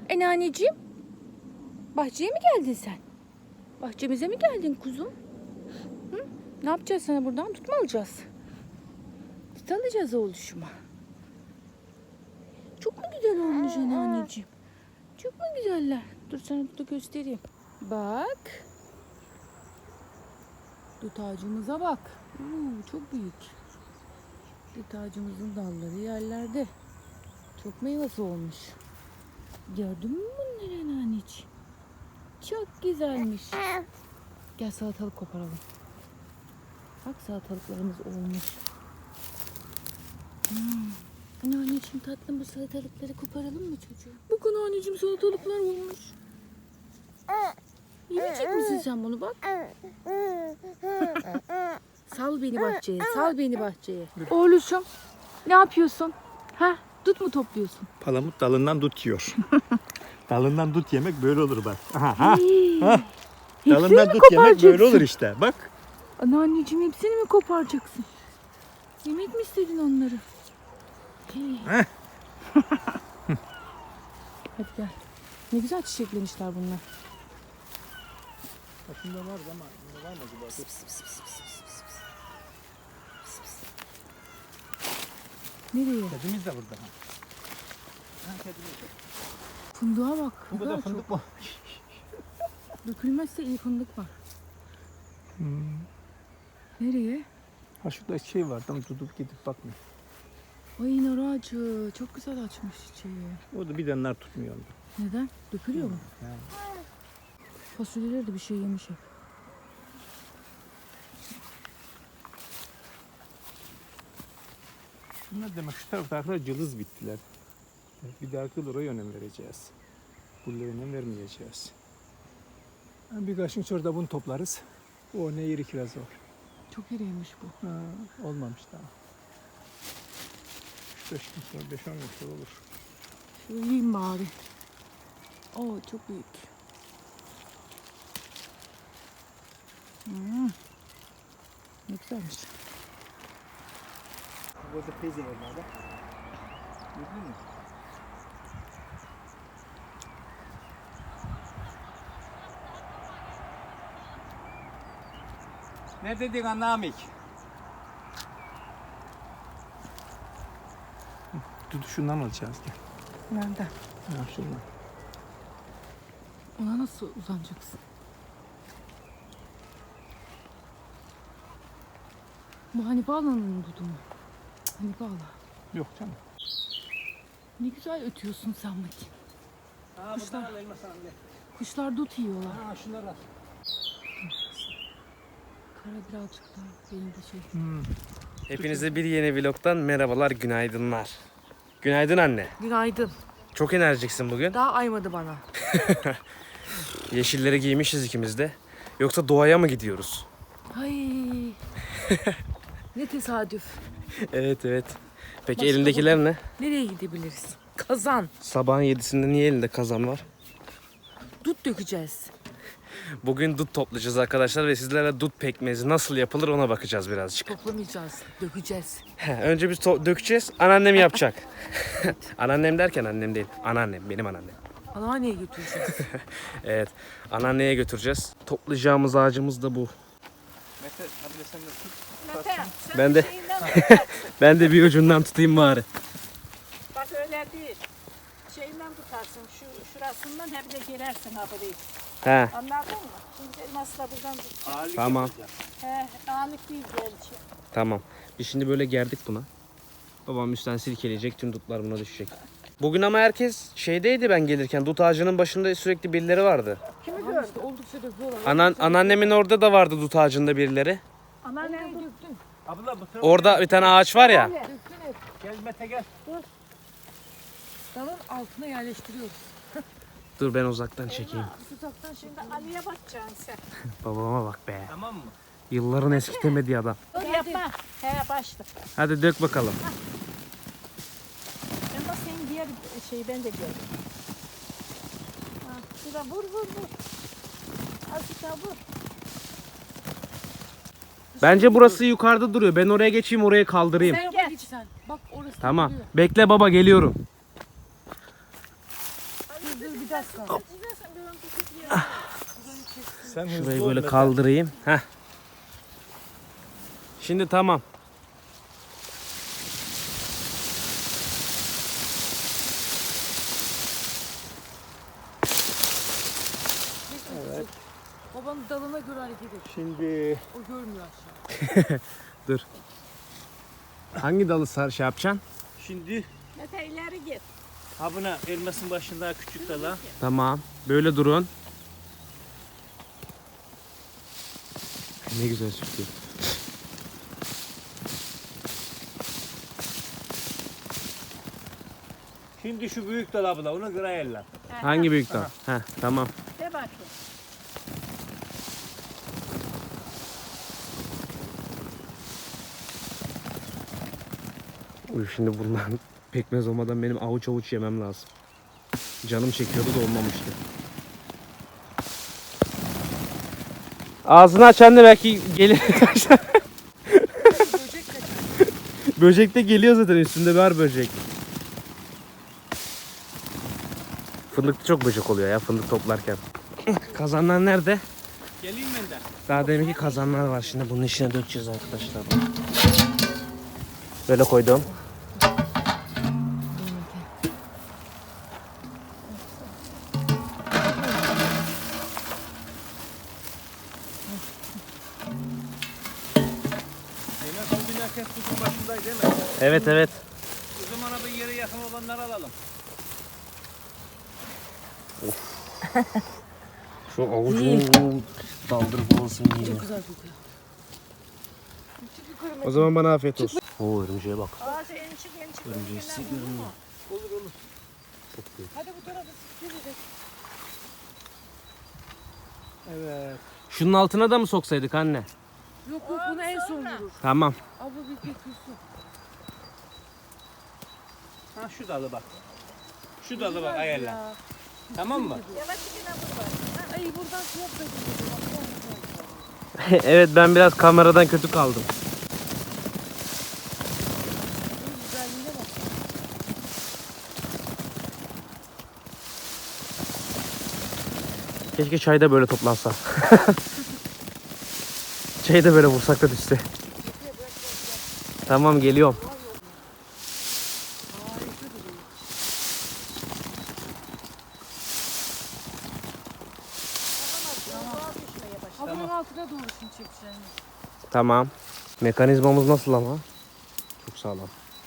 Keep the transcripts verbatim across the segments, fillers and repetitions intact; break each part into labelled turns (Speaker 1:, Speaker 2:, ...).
Speaker 1: E anneciğim, bahçeye mi geldin sen? Bahçemize mi geldin kuzum? Hı? Ne yapacağız sana buradan? Tut mu alacağız? Tut alacağız oğluşuma. Çok mu güzel olmuş anneciğim? Çok mu güzeller? Dur sana burada göstereyim. Bak. Dut ağacımıza bak. Oo, çok büyük. Dut ağacımızın dalları yerlerde. Çok meyvesi olmuş. Gördün mü bunları anneciğim? Çok güzelmiş. Gel salatalık koparalım. Bak salatalıklarımız olmuş. Hmm. Anne anneciğim tatlım bu salatalıkları koparalım mı çocuğum? Bakın anneciğim salatalıklar olmuş. Yemeyecek misin sen bunu bak? Sal beni bahçeye, sal beni bahçeye. Oğluşum ne yapıyorsun? Ha? Dut mu topluyorsun?
Speaker 2: Palamut dalından dut yiyor. Dalından dut yemek böyle olur bak. Aha, ha, ha. Dalından dut yemek böyle olur işte. Bak.
Speaker 1: Anneanneciğim hepsini mi koparacaksın? Yemek mi istedin onları? Hadi gel. Ne güzel çiçeklemişler bunlar.
Speaker 2: Aslında var ama var mı acaba?
Speaker 1: Pıs pıs pıs pıs pıs pıs pıs. Pıs pıs. Nereye?
Speaker 2: Kedimiz de burada. Ha, kedimiz de.
Speaker 1: Fındığa bak.
Speaker 2: Bu kadar fındık mı?
Speaker 1: Dökülmezse iyi fındık var.
Speaker 2: Hmm.
Speaker 1: Nereye?
Speaker 2: Ha şurada şey var. Tam tutup gidip bakmıyor.
Speaker 1: Ay nar ağacı. Çok güzel açmış çiçeği.
Speaker 2: O da bir de nar tutmuyor onda.
Speaker 1: Neden? Dökülüyor mu?
Speaker 2: Yani.
Speaker 1: Fasulyeler de bir şey yemiş hep.
Speaker 2: Bunlar demek şu taraftakiler cılız bittiler. Bir dahaki yıl oraya önem vereceğiz. Buraya önem vermeyeceğiz. Yani birkaç gün sonra da bunu toplarız. O ne yeri kiraz var.
Speaker 1: Çok iriymiş bu.
Speaker 2: Ha, olmamış daha. beş gün sonra, beş on gün sonra olur.
Speaker 1: Şöyle yiyeyim bari. Oo çok büyük. Hmm. Ne güzelmiş.
Speaker 2: Burada peyze var burada. Gördün mü? Neredeydin anlamik? Dur şundan alacağız gel.
Speaker 1: Nerede?
Speaker 2: Ha şundan.
Speaker 1: Ona nasıl uzanacaksın? Bu Hanife Ağla'nın dudu mu? Cık, Hanife Ağla.
Speaker 2: Yok canım.
Speaker 1: Ne güzel ötüyorsun sen bakayım.
Speaker 2: Ha
Speaker 1: Kuşlar.
Speaker 2: buradan al elma sana gel.
Speaker 1: Kuşlar dut yiyorlar.
Speaker 2: Ha şunları al.
Speaker 1: Kara birazcık daha benim de şey.
Speaker 2: Hmm.
Speaker 3: Hepinize bir yeni vlogtan merhabalar, günaydınlar. Günaydın anne.
Speaker 1: Günaydın.
Speaker 3: Çok enerjiksin bugün.
Speaker 1: Daha aymadı bana.
Speaker 3: Yeşilleri giymişiz ikimiz de. Yoksa doğaya mı gidiyoruz?
Speaker 1: Ay. Ne tesadüf.
Speaker 3: Evet evet. Peki
Speaker 1: Başka
Speaker 3: elindekiler ne?
Speaker 1: Nereye gidebiliriz? Kazan.
Speaker 3: Sabahın yedisinde niye elinde kazan var?
Speaker 1: Dut dökeceğiz.
Speaker 3: Bugün dut toplayacağız arkadaşlar ve sizlerle dut pekmezi nasıl yapılır ona bakacağız birazcık.
Speaker 1: Toplamayacağız. Dökeceğiz.
Speaker 3: He, önce biz to- dökeceğiz, anneannem yapacak. Anneannem derken annem değil, anneannem, benim anneannem.
Speaker 1: Anneanneye götüreceğiz.
Speaker 3: Evet, anneanneye götüreceğiz. Toplayacağımız ağacımız da bu.
Speaker 2: Mete hadi de sen de tut.
Speaker 4: Mete, sen
Speaker 3: Ben
Speaker 4: de
Speaker 3: de-
Speaker 4: şeyinden tutarsın.
Speaker 3: Ben de bir ucundan tutayım bari.
Speaker 4: Bak öyle değil. Şeyinden tutarsın. Şu şurasından hep de girersin haberi.
Speaker 3: He,
Speaker 4: Anladın mı? Şimdi elması da buradan tut.
Speaker 2: Ağırlık
Speaker 3: Tamam.
Speaker 2: yapacağız.
Speaker 4: He, ağırlık değil gerçi.
Speaker 3: tamam. Biz şimdi böyle gerdik buna. Babam üstten silkeleyecek, tüm dutlar buna düşecek. Bugün ama herkes şeydeydi ben gelirken, dut ağacının başında sürekli birileri vardı.
Speaker 4: Kimi
Speaker 1: Ama
Speaker 4: gördün?
Speaker 1: işte oldukça döküyorlar.
Speaker 3: Anan, anneannemin orada da vardı dut ağacında birileri.
Speaker 4: Anneannem dur.
Speaker 1: Döktün.
Speaker 2: Abla bu tarafa
Speaker 3: Orada bir tane ağaç var ya.
Speaker 1: Döktün hep.
Speaker 2: gel Mete gel.
Speaker 1: Dalın altına yerleştiriyoruz.
Speaker 3: Dur ben uzaktan çekeyim.
Speaker 1: Uzaktan şimdi.
Speaker 4: Şimdi Ali'ye bakacaksın sen.
Speaker 3: Babama bak be.
Speaker 2: Tamam mı?
Speaker 3: Yılların eskitemediği adam.
Speaker 4: Dur yapma. He başla.
Speaker 3: Hadi dök bakalım.
Speaker 4: Ben bak senin diğer şeyi ben de gördüm. Ha, şurada vur vur vur. Azıcık daha vur.
Speaker 3: Bence burası yukarıda duruyor. Ben oraya geçeyim, oraya kaldırayım.
Speaker 1: Sen
Speaker 4: Gel.
Speaker 1: git sen. Bak orası
Speaker 3: Tamam.
Speaker 1: duruyor.
Speaker 3: Bekle baba, geliyorum.
Speaker 1: Dur dur bir
Speaker 2: Sen hızlı
Speaker 3: Şurayı
Speaker 2: ol
Speaker 3: böyle
Speaker 2: Mete.
Speaker 3: kaldırayım. Heh. Şimdi tamam.
Speaker 1: Babanın dalına göre hareket et.
Speaker 2: Şimdi
Speaker 1: O görmüyor aşağı.
Speaker 3: Hangi dalı sar şey yapacaksın?
Speaker 5: Şimdi
Speaker 4: Mete ileri git.
Speaker 5: ha buna elmasın başında küçük dala.
Speaker 3: Tamam. Böyle durun. Ne güzel sürtüyor.
Speaker 5: Şimdi şu büyük dal abla onu kıra elle.
Speaker 3: Hangi büyük dal? Heh, tamam.
Speaker 4: De bakayım.
Speaker 3: Uy, şimdi bundan pekmez olmadan benim avuç avuç yemem lazım. Canım çekiyordu da olmamıştı. Ağzını açan da belki gelir. Böcek de geliyor zaten, üstünde var böcek. Fındıkta çok böcek oluyor ya fındık toplarken. Kazanlar nerede?
Speaker 5: Geleyim ben de.
Speaker 3: Daha deminki kazanlar var, şimdi bunun içine dökeceğiz arkadaşlar. Böyle koydum.
Speaker 5: Elmas bu binarken tuzun başındaydı değil mi?
Speaker 3: Evet evet.
Speaker 5: O zaman abi yere yakın olanları alalım.
Speaker 3: Şu avucunu daldırıp olsun yine.
Speaker 1: Çok güzel kokuyor.
Speaker 3: O zaman bana afiyet olsun. Oo, örümceğe bak.
Speaker 4: Aa şey ençik ençik.
Speaker 3: Örümceği size görünüyor.
Speaker 5: Olur olur.
Speaker 3: Çok büyük.
Speaker 1: Hadi bu tarafa gidecek.
Speaker 2: evet.
Speaker 3: Şunun altına da mı soksaydık anne?
Speaker 1: Yok yok bunu en son vurur.
Speaker 3: Tamam.
Speaker 1: Abla bir bekliyorsun.
Speaker 5: Ha şu dalı bak. Şu dalı bak ayarla. Tamam mı?
Speaker 4: Yavaş yine vur bak.
Speaker 1: Ay buradan şey yapmayın.
Speaker 3: Evet, ben biraz kameradan kötü kaldım.
Speaker 1: Güzelliğine bak.
Speaker 3: Keşke çay da böyle toplansa. Çayı da böyle vursak da düşse. Tamam, geliyorum.
Speaker 1: Havanın altına doğru şimdi çekeceğim.
Speaker 3: Tamam. Mekanizmamız nasıl ama? Çok sağlam.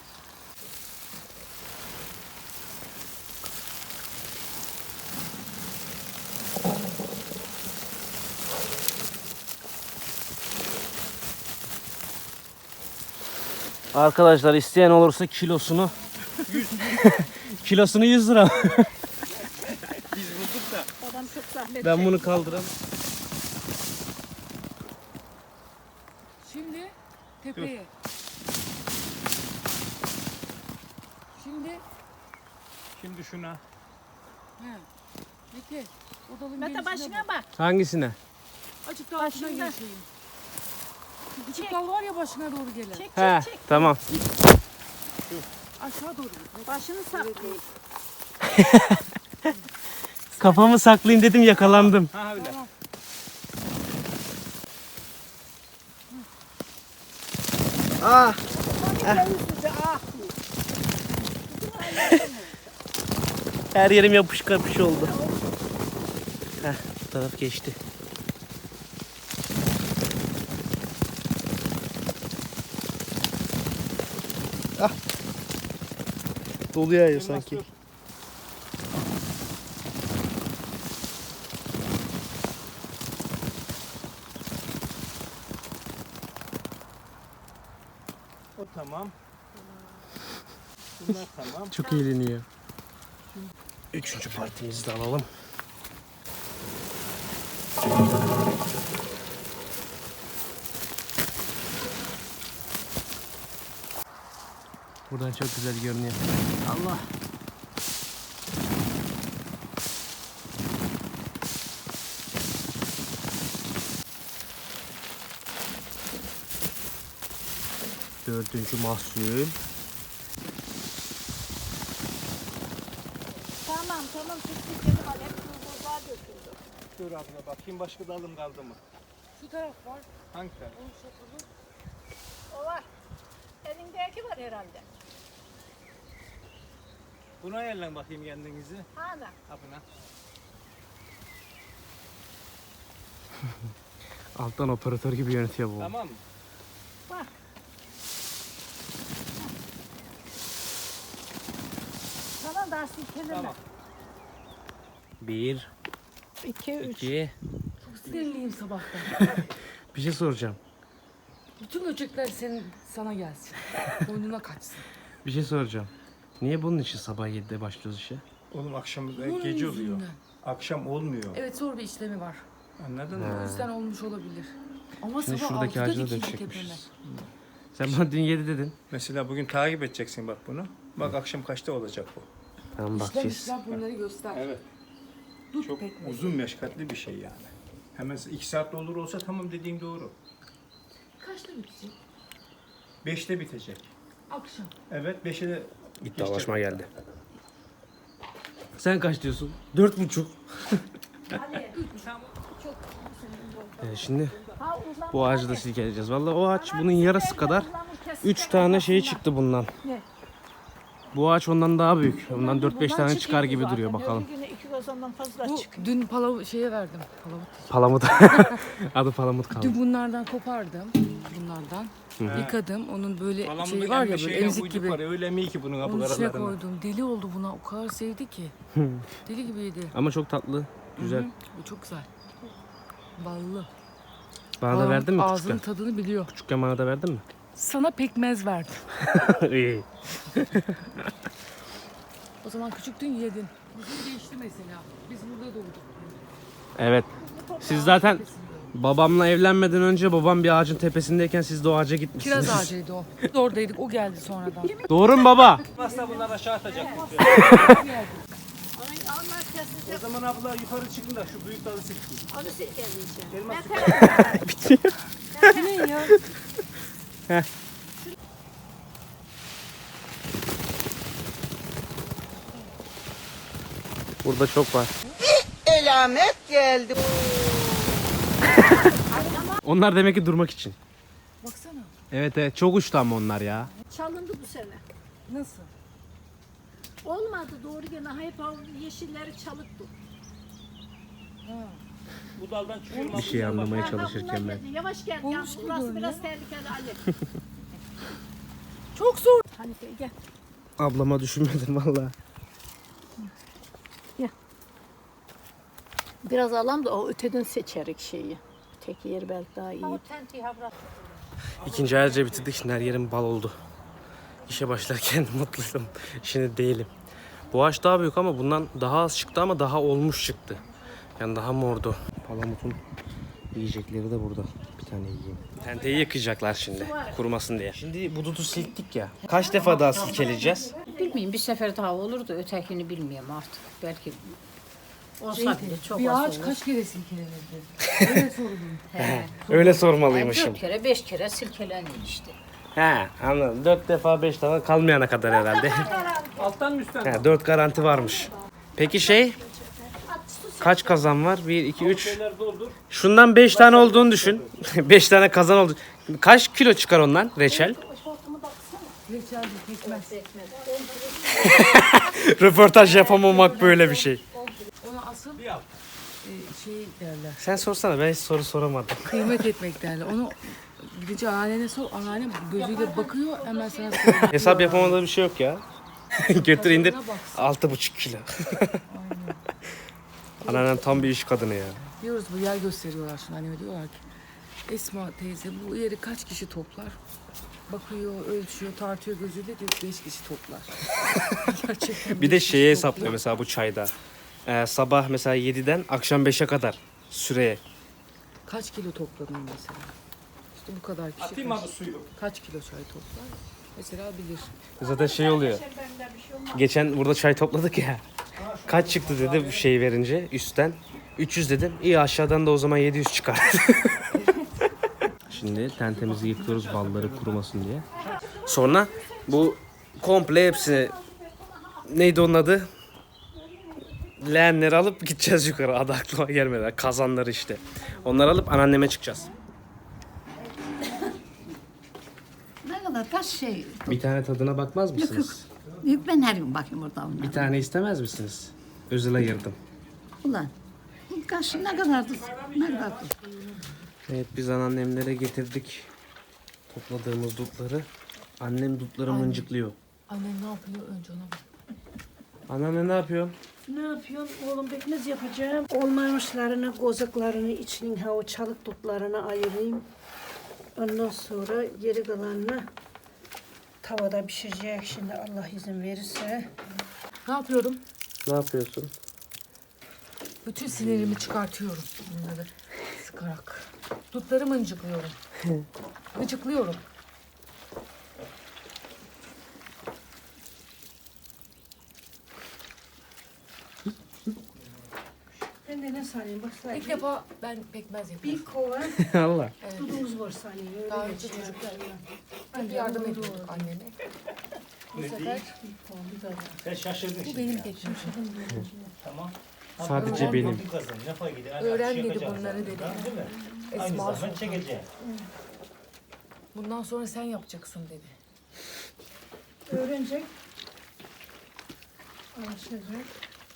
Speaker 3: Arkadaşlar, isteyen olursa kilosunu kilosunu yüz lira.
Speaker 5: Biz bulduk da.
Speaker 4: Adam çok zahmet
Speaker 3: Ben bunu kaldıramam.
Speaker 1: Şimdi tepeye. Şimdi
Speaker 5: Şimdi şuna.
Speaker 1: he. Mete o dalın
Speaker 4: Mete
Speaker 1: gerisine
Speaker 4: başına bak.
Speaker 3: Hangisine?
Speaker 1: Açık daha başına
Speaker 4: Başında.
Speaker 1: geçeyim. Şu küçük dal var ya başına doğru gelen.
Speaker 4: Çek
Speaker 3: He,
Speaker 4: çek çek.
Speaker 3: tamam.
Speaker 1: Aşağı doğru git.
Speaker 4: Başını saklayın.
Speaker 3: Kafamı saklayayım dedim, yakalandım.
Speaker 5: Ha öyle.
Speaker 1: Tamam.
Speaker 3: Ah.
Speaker 4: Ah.
Speaker 3: Her yerim yapış kapış oldu. Heh, bu taraf geçti. Ah. Dolu yağıyor sanki.
Speaker 5: dur. O tamam. Bunlar tamam.
Speaker 3: Çok eğleniyor. Üçüncü partimizi de alalım. Buradan çok güzel görünüyor. Allah. Dördüncü mahsul.
Speaker 4: Tamam Tamam tamam sirkeli var. Hep buzluğa döküldü.
Speaker 2: Dur abla bakayım başka dalım kaldı mı?
Speaker 1: Şu taraf var.
Speaker 2: Hangi taraf?
Speaker 4: O var. Elindeki var herhalde.
Speaker 2: Buna ayarlan bakayım kendinizi.
Speaker 4: Hala.
Speaker 2: Ha buna.
Speaker 3: Alttan operatör gibi yönetiyor bu.
Speaker 2: Tamam mı?
Speaker 4: Bak. Tamam daha silkeleme.
Speaker 2: Tamam.
Speaker 3: Bir,
Speaker 4: İki, üç.
Speaker 3: iki.
Speaker 1: Çok sinirliyim sabahtan.
Speaker 3: Bir şey soracağım.
Speaker 1: Bütün böcekler senin sana gelsin. Boynuna kaçsın.
Speaker 3: Bir şey soracağım. Niye bunun için sabah yedide başlıyoruz işe?
Speaker 2: Oğlum akşam
Speaker 1: Bunun
Speaker 2: gece oluyor.
Speaker 1: yüzünden.
Speaker 2: Akşam olmuyor.
Speaker 1: Evet zor bir işlemi var.
Speaker 2: Anladın
Speaker 3: Ha.
Speaker 2: mı?
Speaker 1: O yüzden olmuş olabilir. Ama
Speaker 3: Şimdi
Speaker 1: sabah
Speaker 3: şuradaki
Speaker 1: altıda
Speaker 3: ağacına
Speaker 1: dikildi
Speaker 3: dökecekmişiz.
Speaker 1: tepeme.
Speaker 3: Sen bana dün yedi dedin.
Speaker 2: Mesela bugün takip edeceksin bak bunu. Bak akşam kaçta olacak bu.
Speaker 3: Tamam
Speaker 1: İşlem
Speaker 3: bakacağız.
Speaker 1: işlem bunları göster.
Speaker 2: Evet.
Speaker 1: Dut
Speaker 2: Çok
Speaker 1: pekmezi.
Speaker 2: uzun meşakkatli bir şey yani. Hemen iki saatte olur olsa tamam dediğin doğru.
Speaker 1: Kaçta bitecek?
Speaker 2: Beşte bitecek.
Speaker 1: Akşam.
Speaker 2: Evet beşe de
Speaker 3: İddialaşma geldi. Sen kaç diyorsun? Dört buçuk.
Speaker 4: Ali. Çok.
Speaker 3: Ee, şimdi
Speaker 4: Ha, uzan.
Speaker 3: bu ağacı da silkeleyeceğiz. Vallahi o ağaç bunun yarısı kadar. Üç tane şey çıktı bundan.
Speaker 4: Ne?
Speaker 3: Bu ağaç ondan daha büyük. Ondan dört beş
Speaker 4: Bundan
Speaker 3: tane çıkar
Speaker 4: çıkıyor
Speaker 3: gibi
Speaker 4: zaten.
Speaker 3: duruyor bakalım.
Speaker 4: Öbür güne iki gazondan fazla
Speaker 1: Bu
Speaker 4: çıkıyor.
Speaker 1: dün palav şeye verdim. Palavut.
Speaker 3: Palamut. Adı palamut kaldı.
Speaker 1: Dün bunlardan kopardım. Bunlardan. Yıkadım. Onun böyle
Speaker 2: Palamutun
Speaker 1: şey var ya
Speaker 2: emme
Speaker 1: böyle
Speaker 2: şeyine
Speaker 1: emzik
Speaker 2: uyduk
Speaker 1: gibi.
Speaker 2: var ya, öyle mi ki bunun
Speaker 1: Onun içine
Speaker 2: kapılarına?
Speaker 1: koydum. Deli oldu buna. O kadar sevdi ki. Deli gibiydi.
Speaker 3: Ama çok tatlı. Güzel.
Speaker 1: Hı hı. Bu çok güzel. Ballı.
Speaker 3: Bana da
Speaker 1: Aa,
Speaker 3: verdin mi
Speaker 1: Ağzının
Speaker 3: küçükken?
Speaker 1: tadını biliyor.
Speaker 3: Küçükken bana da verdin mi?
Speaker 1: Sana pekmez verdim.
Speaker 3: İyi.
Speaker 1: O zaman küçüktün yedin. Bizim değişti mesela. Biz burada doğduk.
Speaker 3: Evet. Siz zaten babamla evlenmeden önce babam bir ağacın tepesindeyken siz de o ağaca gitmişsiniz.
Speaker 1: Kiraz ağacıydı o. Biz oradaydık. O geldi sonradan.
Speaker 3: Doğru mu baba?
Speaker 2: Nasıl bunlar aşağı atacak?
Speaker 4: Ay, Allah kesecek.
Speaker 2: O zaman abla yukarı çıkın da şu büyük dalı silkin.
Speaker 4: Onu silkeleyeceğim.
Speaker 2: Elmas
Speaker 1: Ne ya?
Speaker 3: Burada çok var.
Speaker 6: Elamet geldi.
Speaker 3: Onlar demek ki durmak için.
Speaker 1: Baksana.
Speaker 3: Evet evet çok uçtu ama onlar ya.
Speaker 4: Çalındı bu sene.
Speaker 1: Nasıl?
Speaker 4: Olmadı doğru gene. Hep o yeşilleri çalıktı.
Speaker 5: Bu daldan çıkıyor.
Speaker 3: Bir şey anlamaya
Speaker 4: Ha, ha, bunlar
Speaker 3: çalışırken ben.
Speaker 4: geldi. Yavaş gel.
Speaker 1: Olmuş
Speaker 4: Yalnız
Speaker 1: gibi
Speaker 4: burası
Speaker 1: görünüyor.
Speaker 4: biraz tehlikeli Ali.
Speaker 1: Çok zor.
Speaker 4: Hanife gel.
Speaker 3: Ablama düşünmedim valla.
Speaker 4: Biraz alalım da o öteden seçerik şeyi. Tek yer belki daha iyi.
Speaker 3: İkinci ayarca bitirdik. Şimdi her yerim bal oldu. İşe başlarken mutluydum. Şimdi değilim. Bu ağaç daha büyük ama bundan daha az çıktı ama daha olmuş çıktı. Yani daha mordu. Palamutun yiyecekleri de burada. Bir tane yiyeyim. Tenteyi yakacaklar şimdi. Kurumasın diye. Şimdi bu dudu silktik ya. Kaç defa daha silkeleyeceğiz?
Speaker 7: Bilmiyorum bir sefer daha olur da ötekini bilmiyorum artık. Belki olsa bile çok
Speaker 1: Bir
Speaker 7: az
Speaker 1: ağaç
Speaker 7: olur.
Speaker 1: kaç kere silkelenirdi? Öyle sorulur.
Speaker 7: He.
Speaker 3: Öyle
Speaker 7: Yani
Speaker 3: sormalıymışım.
Speaker 7: dört kere beş kere silkeleniyor işte.
Speaker 3: He anladım. Dört defa beş defa kalmayana kadar herhalde.
Speaker 2: alttan mı üstten mi?
Speaker 3: He, dört garanti varmış. Peki şey kaç kazan var? Bir, iki, üç.
Speaker 2: Şeyler doldur.
Speaker 3: Şundan beş tane olduğunu düşün. Beş tane kazan oldu. Kaç kilo çıkar ondan reçel?
Speaker 1: Reçel pekmez.
Speaker 3: Röportaj yapamamak böyle bir şey.
Speaker 1: Ona asıl
Speaker 2: Bir al.
Speaker 1: e, şey derler.
Speaker 3: Sen sorsana ben hiç soru soramadım.
Speaker 1: Kıymet etmek derler. Onu gidince anneannene sor. Anneanne gözüyle bakıyor hemen sana söylüyor.
Speaker 3: Hesap yapamadığı bir şey yok ya. Götür indir.
Speaker 1: Tadına baksın.
Speaker 3: Altı buçuk kilo. Anneannem tam bir iş kadını ya.
Speaker 1: Diyoruz bu yer gösteriyorlar şimdi anneme diyorlar ki Esma teyze bu yeri kaç kişi toplar? Bakıyor, ölçüyor, tartıyor gözüyle diyor beş kişi toplar. Gerçekten
Speaker 3: Bir de
Speaker 1: beş
Speaker 3: şeye
Speaker 1: kişi toplar.
Speaker 3: hesaplıyor mesela bu çayda. Ee, sabah mesela yediden akşam beşe kadar süreye.
Speaker 1: Kaç kilo topladın mesela? İşte bu kadar kişi
Speaker 2: Atayım
Speaker 1: kaç,
Speaker 2: abi suyu.
Speaker 1: kaç kilo çay toplar? Mesela bilir.
Speaker 3: Zaten şey oluyor. Geçen burada çay topladık ya. Kaç çıktı dedi bu şey verince üstten. üç yüz dedim. İyi aşağıdan da o zaman yedi yüz çıkar. Şimdi tentemizi yıkıyoruz balları kurumasın diye. Sonra bu komple hepsini neydi onun adı? leğenleri alıp gideceğiz yukarı. Adı aklıma gelmedi. Kazanları işte. Onları alıp anneanneme çıkacağız.
Speaker 7: Ne kadar kaç şey.
Speaker 3: Bir tane tadına bakmaz mısınız?
Speaker 7: Yok ben her gün bakayım orada onlara.
Speaker 3: Bir tane istemez misiniz? Özel ayırdım.
Speaker 7: Ulan. Kaç ne kadardı? Ne kadardı?
Speaker 3: Evet biz anneannemlere getirdik topladığımız dutları. Annem dutları mıncıklıyor.
Speaker 1: Annem ne yapıyor önce ona bak.
Speaker 3: Anneanne ne yapıyor?
Speaker 4: Ne yapıyorsun oğlum, pekmez yapacağım. Olmamışlarını, kozaklarını, içinin ha o çalık dutlarını ayırayım. Ondan sonra geri kalanını tavada pişirecek şimdi Allah izin verirse.
Speaker 1: Ne yapıyorum?
Speaker 3: Ne yapıyorsun?
Speaker 1: Bütün sinirimi çıkartıyorum bunları sıkarak. Dutları mıncıklıyorum. Mıncıklıyorum.
Speaker 4: Ben de ne sanayım bak
Speaker 1: İlk
Speaker 4: sanayım.
Speaker 1: defa ben pekmez yapıyorum.
Speaker 4: Bir kova
Speaker 3: Allah.
Speaker 4: dudumuz var sanayım. Öyle
Speaker 1: Daha önce
Speaker 4: geçiyor.
Speaker 1: çocuklarla hep yardım ediyorduk anneme. Bu sefer
Speaker 5: Sen şaşırdın
Speaker 1: bu
Speaker 5: şimdi.
Speaker 1: benim pekmezim.
Speaker 5: Tamam.
Speaker 3: Sadece
Speaker 1: Öğren-
Speaker 3: benim.
Speaker 5: Bir kazın ne fark ediyor?
Speaker 1: Öğren
Speaker 5: Şey
Speaker 1: dedi
Speaker 5: yapacağız
Speaker 1: bunları
Speaker 5: zaten,
Speaker 1: dedi.
Speaker 5: tamam, değil mi? Aynı
Speaker 1: Esma
Speaker 5: zaman
Speaker 1: Sultan.
Speaker 5: çekeceğim.
Speaker 1: Bundan sonra sen yapacaksın dedi.
Speaker 4: Öğrenecek. Alışacak.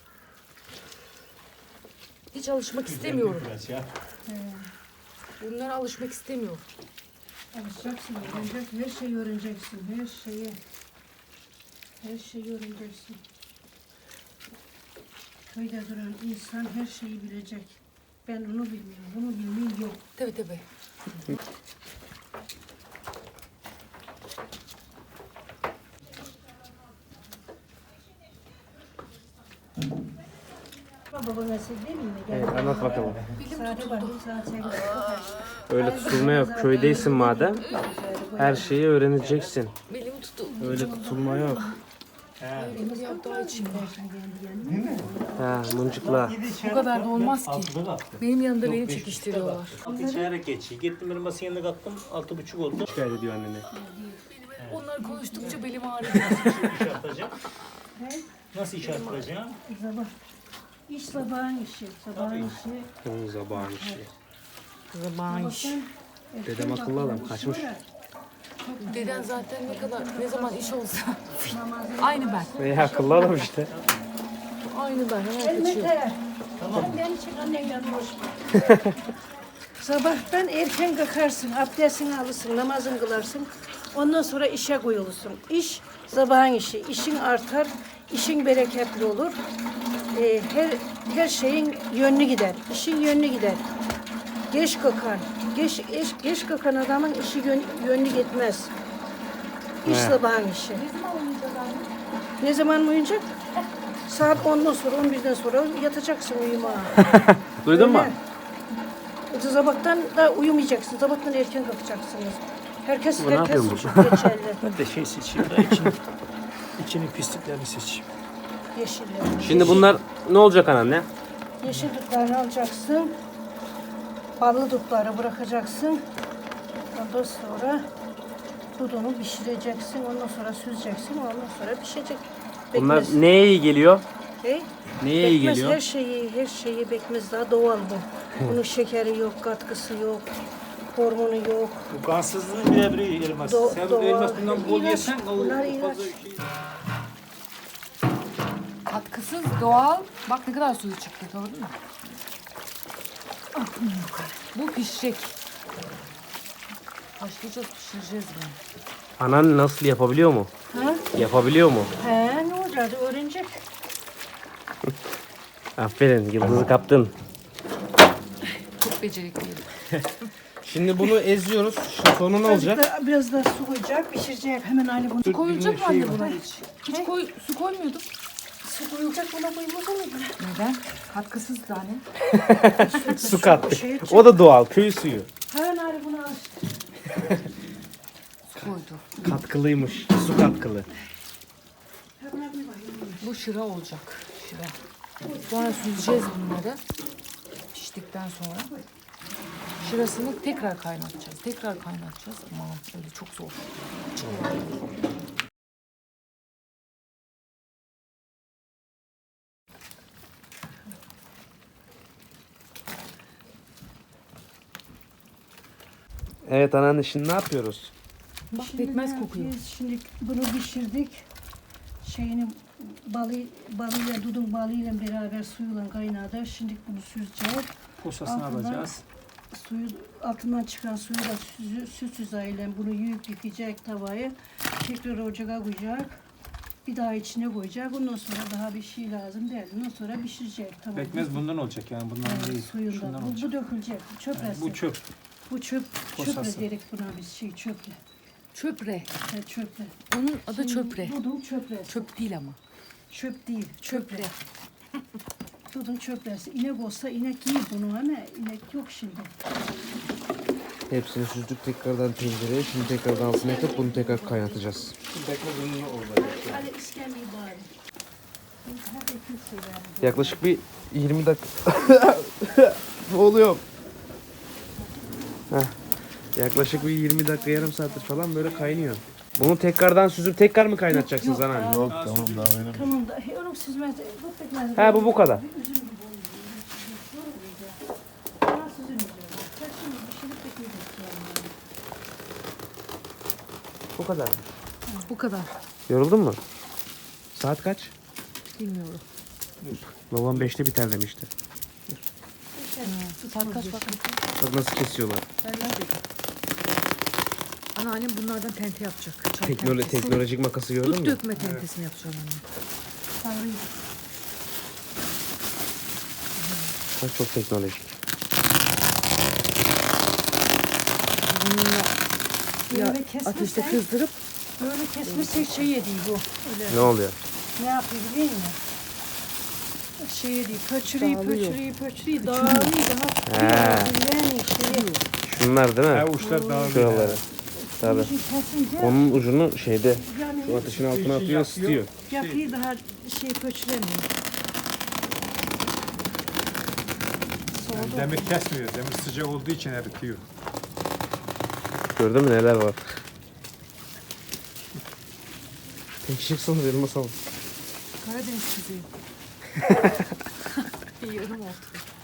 Speaker 1: Hiç alışmak istemiyorum.
Speaker 5: Biraz ya.
Speaker 1: Bunlara alışmak istemiyorum.
Speaker 4: Alışacaksın, öğrenecek. Her şeyi öğreneceksin. Her şeyi. Her şeyi öğreneceksin. Köyde duran insan her şeyi bilecek. Ben onu bilmiyorum. Bunu bilmeyi yok.
Speaker 1: Tabii tabii.
Speaker 4: Baba mesele değil mi?
Speaker 3: Evet anlat bakalım.
Speaker 4: Saate bak, saat sekiz.
Speaker 3: Öyle tutulma yok. Köydeysin madem. Her şeyi öğreneceksin.
Speaker 1: Belim tuttu.
Speaker 3: Öyle tutulma yok.
Speaker 1: Elim yaptığı için.
Speaker 3: Ha mıncıkla.
Speaker 1: Bu kadar da olmaz ki.
Speaker 5: Altıda kalktım.
Speaker 1: Benim yanında
Speaker 5: Yok,
Speaker 1: beni
Speaker 5: beş
Speaker 1: çekiştiriyorlar.
Speaker 5: Altı içerek geçiyor. Gittim benim masanın yanına kalktım. Altı buçuk oldu.
Speaker 3: Şikayet ediyor annene.
Speaker 1: Onlar konuştukça belim ağrıyor.
Speaker 5: İş yapacağım. Nasıl iş yapacağım?
Speaker 4: Sabah. İş sabahın işi. Sabahın işi.
Speaker 3: Onun zabağın işi.
Speaker 1: Zaman iş.
Speaker 3: Dedem akıllı adam kaçmış.
Speaker 1: Deden zaten ne kadar, ne zaman iş olsa aynı ben.
Speaker 3: Veya akıllı adam işte.
Speaker 1: Aynı ben. Hemen kaçıyor.
Speaker 4: Mete. Tamam. Beni çık annenle konuşma. Sabahtan erken kalkarsın, abdestini alırsın, namazını kılarsın. Ondan sonra işe koyulursun. İş sabahın işi. İşin artar, işin bereketli olur. Ee, her her şeyin yönlü gider. İşin yönlü gider. Geç kalkan, geç, geç, geç kalkan adamın işi yön, yönlü gitmez. İş
Speaker 3: He.
Speaker 4: sabahın işi. Ne zaman uyuyacak? Saat ondan sonra, on birden sonra yatacaksın uyumaya.
Speaker 3: Duydun mu?
Speaker 4: Öyle. Sabahtan da uyumayacaksın. Sabahtan erken kalkacaksınız. Herkes
Speaker 3: Bu ne
Speaker 4: herkes
Speaker 3: yapıyor
Speaker 4: için
Speaker 3: burada?
Speaker 4: geçerli.
Speaker 2: Ben de şey seçeyim da içini, içinin pisliklerini seçeyim.
Speaker 4: Yeşilleri.
Speaker 3: Şimdi bunlar ne olacak anneanne?
Speaker 4: Yeşil dutlarını alacaksın. Ballı dutları bırakacaksın. Ondan sonra dudunu pişireceksin. Ondan sonra süzeceksin. Ondan sonra pişecek.
Speaker 3: Bunlar
Speaker 4: Bekmez.
Speaker 3: neye iyi geliyor?
Speaker 4: Hey?
Speaker 3: Neye iyi
Speaker 4: Bekmez
Speaker 3: geliyor?
Speaker 4: her şeyi, her şeyi bekmez daha doğal bu. Bunun şekeri yok, katkısı yok, hormonu yok.
Speaker 5: Bu kansızlığın birebiri elmas.
Speaker 4: Do-
Speaker 5: Sen bu
Speaker 4: doğal.
Speaker 5: elmas bundan bol
Speaker 4: İlaç,
Speaker 5: yesen o
Speaker 4: bunlar
Speaker 5: fazla
Speaker 4: ilaç.
Speaker 5: bir şey.
Speaker 1: Katkısız, doğal. Bak ne kadar suyu çıktı, gördün mü? Bu pişecek. Haşlayacağız, pişireceğiz bunu.
Speaker 3: Anan nasıl yapabiliyor mu?
Speaker 4: Ha?
Speaker 3: Yapabiliyor mu?
Speaker 4: He, ne olacak? Öğrenecek.
Speaker 3: Aferin yıldızı kaptın.
Speaker 1: Çok becerikliyim.
Speaker 3: Şimdi bunu eziyoruz. Şu sonu ne olacak?
Speaker 4: Biraz da, biraz da su koyacak, pişirecek. Hemen Ali bunu.
Speaker 1: Su koyulacak mı
Speaker 3: şey
Speaker 1: anne buna hiç? Hiç koy, su koymuyorduk.
Speaker 4: Su koyulacak, buna koymaz mı?
Speaker 1: Neden? Katkısız tane.
Speaker 3: Su kattık.
Speaker 4: Şey için.
Speaker 3: O da doğal köy suyu.
Speaker 4: Hemen Ali bunu al.
Speaker 1: Su koydu.
Speaker 3: Katkılıymış. Su katkılı.
Speaker 4: Hemen bir bakayım.
Speaker 1: Bu şıra olacak. Şıra. Sonra süzeceğiz bunları. Piştikten sonra. Şırasını tekrar kaynatacağız. Tekrar kaynatacağız. Aman öyle çok zor.
Speaker 3: Evet anneanne şimdi ne yapıyoruz?
Speaker 1: Bak
Speaker 4: Şimdi
Speaker 1: pekmez
Speaker 4: ne
Speaker 1: kokuyor.
Speaker 4: yapıyoruz? Şimdi bunu pişirdik. Şeyini balı, balıyla, dudun balıyla beraber suyuyla kaynadı. Şimdi bunu süzeceğiz.
Speaker 2: Posasını
Speaker 4: Altından-
Speaker 2: alacağız.
Speaker 4: Suyu altından çıkan suyu da süzü, süt süzayla bunu yuyup yıkayacak tavayı. Tekrar ocağa koyacak. Bir daha içine koyacak. Ondan sonra daha bir şey lazım değil. Ondan sonra pişirecek. Tamam.
Speaker 2: Pekmez bundan olacak yani bundan
Speaker 4: Evet,
Speaker 2: değil.
Speaker 4: suyundan.
Speaker 2: Şundan
Speaker 4: Bu,
Speaker 2: olacak.
Speaker 4: bu dökülecek. Bu çöp
Speaker 2: Yani bu çöp.
Speaker 4: Bu çöp.
Speaker 2: Posası.
Speaker 4: Çöple gerek buna biz şey çöple.
Speaker 1: Çöpre.
Speaker 4: Ha, çöple.
Speaker 1: Onun adı çöpre.
Speaker 4: Dudun çöple.
Speaker 1: Çöp değil ama.
Speaker 4: Çöp değil. Çöple. Dudun çöplesi. İnek olsa inek yiyor bunu ama inek yok şimdi.
Speaker 3: Hepsini süzdük tekrardan tencereye. Şimdi tekrardan altına yakıp bunu tekrar kaynatacağız.
Speaker 2: Pekmez bundan olacak.
Speaker 4: Hadi iskemleyi bari. Hadi kimse ver.
Speaker 3: Yaklaşık bir yirmi dakika. Ne oluyor? Heh. Yaklaşık bir yirmi dakika yarım saattir falan böyle kaynıyor. Bunu tekrardan süzüp tekrar mı kaynatacaksınız
Speaker 4: Yok,
Speaker 3: anneanne?
Speaker 8: Yok tamam daha benim.
Speaker 4: Tamam da he, oğlum süzmez. Bu pekmez.
Speaker 3: He bu bu kadar.
Speaker 4: Üzüm gibi oluyor. Daha süzülmeyecek. Sen şimdi pişirip bekleyeceksin yani.
Speaker 3: Bu kadar.
Speaker 1: Bu kadar.
Speaker 3: Yoruldun mu? Saat kaç?
Speaker 1: Bilmiyorum.
Speaker 3: Babam beşte biter demişti.
Speaker 1: Saat kaç bak.
Speaker 3: Bak nasıl kesiyorlar.
Speaker 1: Ben neredeydim? Anneannem bunlardan tente yapacak. Çay
Speaker 3: Teknolo
Speaker 1: tentesi.
Speaker 3: teknolojik makası gördün
Speaker 1: Dut
Speaker 3: mü?
Speaker 1: dökme tentesini yapacağım anne.
Speaker 4: Sarıyı.
Speaker 3: Bak çok teknolojik.
Speaker 1: Bununla ya
Speaker 4: Böyle kesmezsen-
Speaker 1: ateşte kızdırıp
Speaker 4: Böyle kesmezsek şey yediği bu. Öyle.
Speaker 3: Ne oluyor?
Speaker 4: Ne yapıyor biliyor musun? Şey yediği, pöçürüyü,
Speaker 1: Dağılıyor.
Speaker 4: pöçürüyü, pöçürüyü, dağılıyor daha
Speaker 3: He.
Speaker 4: tutuyor. Şeyi.
Speaker 3: Şunlar değil mi?
Speaker 2: Ha uçlar dağılıyor.
Speaker 3: Şuraları. Tabii.
Speaker 4: Şimdi kesince
Speaker 3: Onun ucunu şeyde
Speaker 4: yani
Speaker 3: şu ateşin altına atıyor, ısıtıyor.
Speaker 4: yapıyı daha şey pöçüremiyor.
Speaker 2: Yani demir kesmiyor. Demir sıcak olduğu için eritiyor.
Speaker 3: Gördün mü neler var? Teşvik sanırım masal.
Speaker 1: Karadeniz kızıyım. Bir yarım oldu.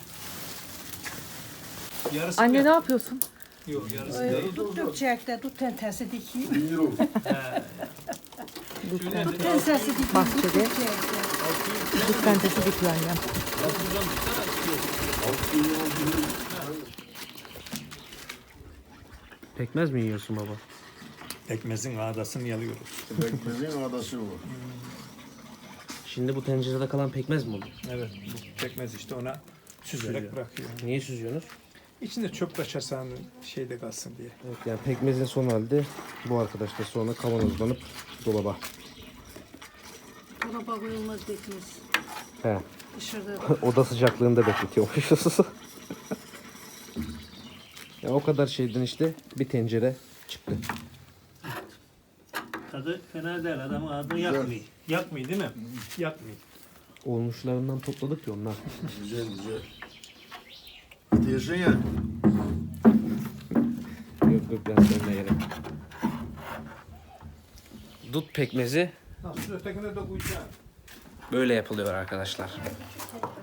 Speaker 2: Yarısı
Speaker 1: Anne ne yapıyorsun?
Speaker 2: yok yarısı.
Speaker 4: Ay, Dut dökecek de dut tentesi dikeyim.
Speaker 8: Yok.
Speaker 4: Dut tentesi dikeyim.
Speaker 1: Bahçede.
Speaker 4: Dut dökecek de.
Speaker 1: Dut tentesi dikiyor annem.
Speaker 3: Pekmez mi yiyorsun baba?
Speaker 2: Ekmezin ağdasını yalıyoruz.
Speaker 8: Pekmezin adası bu.
Speaker 3: Şimdi bu tencerede kalan pekmez mi olur?
Speaker 2: Evet. Bu pekmez işte ona süzerek bırakıyor.
Speaker 3: Niye süzüyorsunuz?
Speaker 2: İçinde çöp kaçarsa hani şeyde kalsın diye.
Speaker 3: Evet yani pekmezin son halde bu arkadaşlar sonra kavanozlanıp dolaba.
Speaker 4: Dolaba koyulmaz bekmez.
Speaker 3: He.
Speaker 4: Dışarıda
Speaker 3: Oda sıcaklığında bekletiyormuşuz. Ya o kadar şeyden işte bir tencere çıktı.
Speaker 5: Tadı fena değil. Adamın ağzını yakmıyor.
Speaker 2: Yakmıyor değil mi? Yakmıyor.
Speaker 3: Olmuşlarından topladık ya onlar.
Speaker 8: Güzel güzel. Diyorsun ya.
Speaker 3: Yok yok ben söylemeye gerek. Dut pekmezi
Speaker 2: Nasıl ötekine de koyacaksın?
Speaker 3: böyle yapılıyor arkadaşlar.